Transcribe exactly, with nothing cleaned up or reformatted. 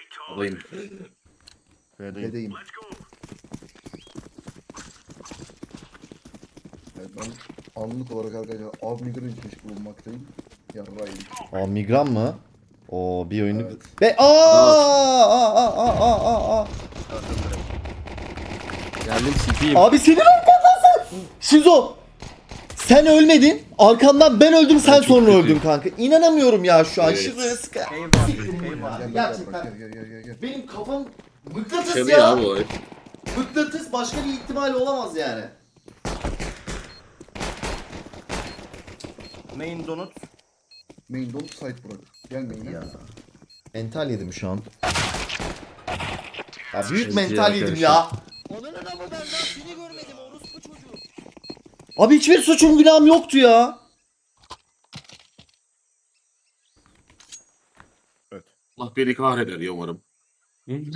Alayım. B'deyim. Bedeyim. Evet, ben anlık olarak arkadaşlar av migren içmiş bulunmaktayım. Yarrayım. Aa migran mı? Oo bir oyunu... Evet. Be aa, aa, aa, aa, aa, aa. Geldim C P'yim. Abi senin arkandasın. Şizo. Sen ölmedin. Arkandan ben öldüm, sen çok sonra kötüyüm. öldün kanka. İnanamıyorum ya şu an. Evet. Şizo'ya sıkı. Eyvah. Siktirin bunu Eyvah. ya. Gel, gel, Gerçekten. gel, gel, gel, gel, gel. Benim kafam mıknatıs Şabi ya. ya bu. Mıknatıs, başka bir ihtimal olamaz yani. Main donut. Main don't site bırak. Gel main'e. Ya. Mental yedim şu an. Ya büyük Çok mental iyi yedim arkadaşlar. ya. Onun adamı ben daha seni görmedim orospu çocuğu. Abi hiçbir suçum günahım yoktu ya. Allah beni kahreder ya umarım.